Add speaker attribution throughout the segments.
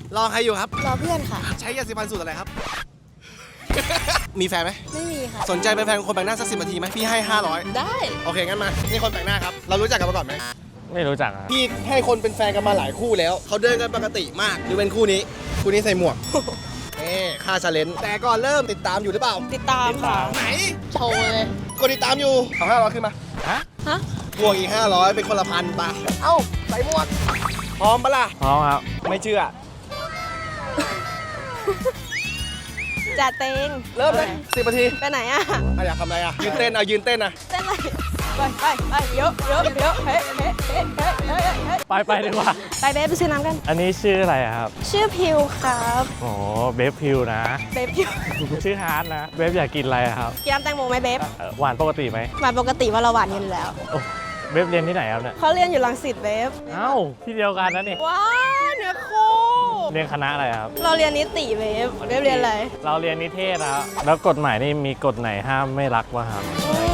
Speaker 1: รอใครอยู่ครับ
Speaker 2: รอเพื่อนค่ะ
Speaker 1: ใช้ยาสีฟันสูตรอะไรครับ มีแฟนไหม
Speaker 2: ไม่มีค่ะ
Speaker 1: สนใจเป็นแฟนคนแปลกหน้าสัก10 นาทีไหมพี่ให้500
Speaker 2: ได้
Speaker 1: โอเคงั้นมานี่คนแปลกหน้าครับเรารู้จักกันมาก่อนไหม
Speaker 3: ไม่รู้จักอะ
Speaker 1: พี่ให้คนเป็นแฟนกันมาหลายคู่แล้วเขาเดินกันปกติมากหรือเป็นคู่นี้ใส่หมวก ค่าชาเลนจ์แต่ก่อนเริ่มติดตามอยู่หรือเปล่า
Speaker 2: ติดตามค่ะ
Speaker 1: ไหน
Speaker 2: โชว์เลย
Speaker 1: กดติดตามอยู่เอา500ขึ้นมา
Speaker 3: ฮะ
Speaker 2: ฮะ
Speaker 1: บวกอีก500เป็นคนละพันป่ะเอ้าใส่หมวกพร้อมปะล่ะ
Speaker 3: พร้อมครับ
Speaker 1: ไม่เชื่อ
Speaker 2: จ่าเตง
Speaker 1: เริ่มเลย10 นาที
Speaker 2: ไปไหนอะ
Speaker 1: อยากทำอะไรยืนเต้นยืนเต้น
Speaker 2: เต้นอะไรไปเยอะเฮ้
Speaker 3: ไปดีกว่า
Speaker 2: ไปเบฟไปซื้อน้ำกัน
Speaker 3: อันนี้ชื่ออะไรอะครับ
Speaker 2: ชื่อพิวครับ
Speaker 3: โอ้เบฟพิวนะ
Speaker 2: เบฟพิว
Speaker 3: ชื่อฮาร์ดนะเบฟอยากกินอะไรอะครับ
Speaker 2: กินน้ำแตงโมไหมเบฟ
Speaker 3: หวานปกติไหม
Speaker 2: หวานปกติว่าเราหวานอยู่แล้ว
Speaker 3: โอ้เบฟเรียนที่ไหนครับเนี่ย
Speaker 2: เขาเรียนอยู่รังสิตเบฟ
Speaker 3: เอ้าที่เดียวกันนะนี่
Speaker 2: ว้าวเนื้อคู่
Speaker 3: เรียนคณะอะไรครับ
Speaker 2: เราเรียนนิติเบฟเรียนอะไร
Speaker 3: เราเรียนนิเทศนะครับแล้วกฎหมายนี่มีกฎไหนห้ามไม่รักวะครับ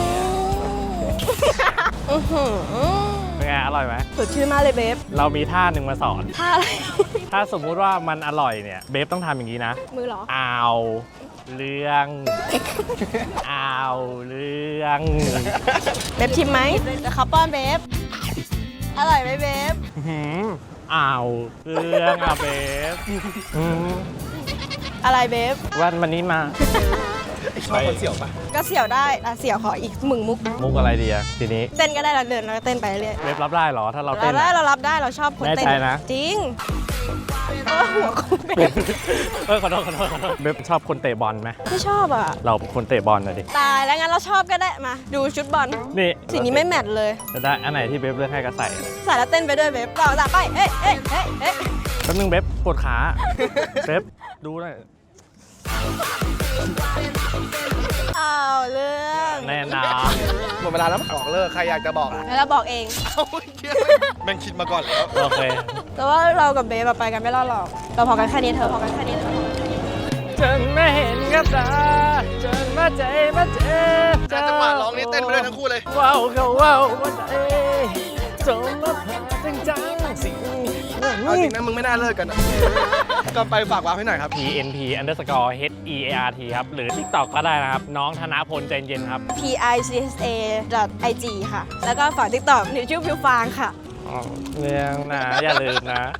Speaker 2: อือหือ
Speaker 3: เป็นไงอร่อยไหม
Speaker 2: สดชื่นมากเลยเบฟ
Speaker 3: เรามีท่าหนึ่งมาสอน
Speaker 2: ท่าอะไร
Speaker 3: ถ้าสมมุติว่ามันอร่อยเนี่ยเบฟต้องทำอย่างนี้นะ
Speaker 2: มือเหรอ
Speaker 3: อ้าวเรื่องอ้าวเรื่อง
Speaker 2: เบฟชิมไหมเดี๋ยวเขาป้อนเบฟอร่อยไหมเบฟ
Speaker 3: หืมอ้าวเรื่องอ่ะเบฟอืม
Speaker 2: อะไรเบฟ
Speaker 3: วันนี้มา
Speaker 1: ชอบคนเสี่ยวปะ
Speaker 2: ก็เสี่ยวได้อ่ะเสี่ยวขออีกมึงมุก
Speaker 3: มุกอะไรดีอะทีนี้
Speaker 2: เต้นก็ได้เราเดินเราเต้นไปเรื่อย
Speaker 3: เบฟรับได้เหรอถ้าเรา
Speaker 2: เรา
Speaker 3: เต้น
Speaker 2: ได้
Speaker 3: อะ
Speaker 2: เรารับได้เราชอบคนเต้น
Speaker 3: แน่ใจนะ
Speaker 2: จริงหัวคุณเบฟ
Speaker 3: ขอโทษเบฟชอบคนเตะบอลไหม
Speaker 2: ไม่ชอบอ่ะ
Speaker 3: เราเป็นคนเตะบอลนะดิ
Speaker 2: ตายแล้วงั้นเราชอบก็ได้มา ดูชุดบอล
Speaker 3: นี่
Speaker 2: สีนี้ไม่แมทเลย
Speaker 3: จะได้อันไหนที่เบฟเลือกให้ก็ใส่
Speaker 2: ใส่แล้วเต้นไปด้วยเบฟต่อจากไปเอ๊ะเอ๊ะเอ๊ะเอ๊ะ
Speaker 3: แป๊บนึงเบฟปวดขาเบฟดูหน่อย
Speaker 2: เอาเรื่อง
Speaker 3: แน่นอน
Speaker 1: หมดเวลาแล้วบอกเลิกใครอยากจะบอก
Speaker 2: แล้วเราบอกเอง
Speaker 1: เอาแม่งคิดมาก่อนแล้ว
Speaker 3: โอเค
Speaker 2: แต่ว่าเรากับเบฟอะไปกันไม่รอดหรอกเราพอกันแค่นี้เธอพอกันแค่นี้เธอ
Speaker 3: จนไม่เห็นกับตาจนมาใจมาเจ็บ
Speaker 1: แต่จังหวะร้องนี่เต้นไปด้วยทั้งคู่เลย
Speaker 3: ว้าวก็ว้าวมาใจจนมาผ่าจังสิ่ง
Speaker 1: เอาจริงนะมึงไม่น่าเลิกกันอะ ก็ไปฝากวางให้หน่อยครับ
Speaker 3: PNP_HEART ครับ หรือ TikTok ก็ได้นะครับ น้องธนพลใจเย็นครับ
Speaker 2: PICSA.IG ค่ะ แล้วก็ฝาก TikTok นิวชื่อพิวฟางค่ะ
Speaker 3: เรื่องนะ อย่าลืมนะ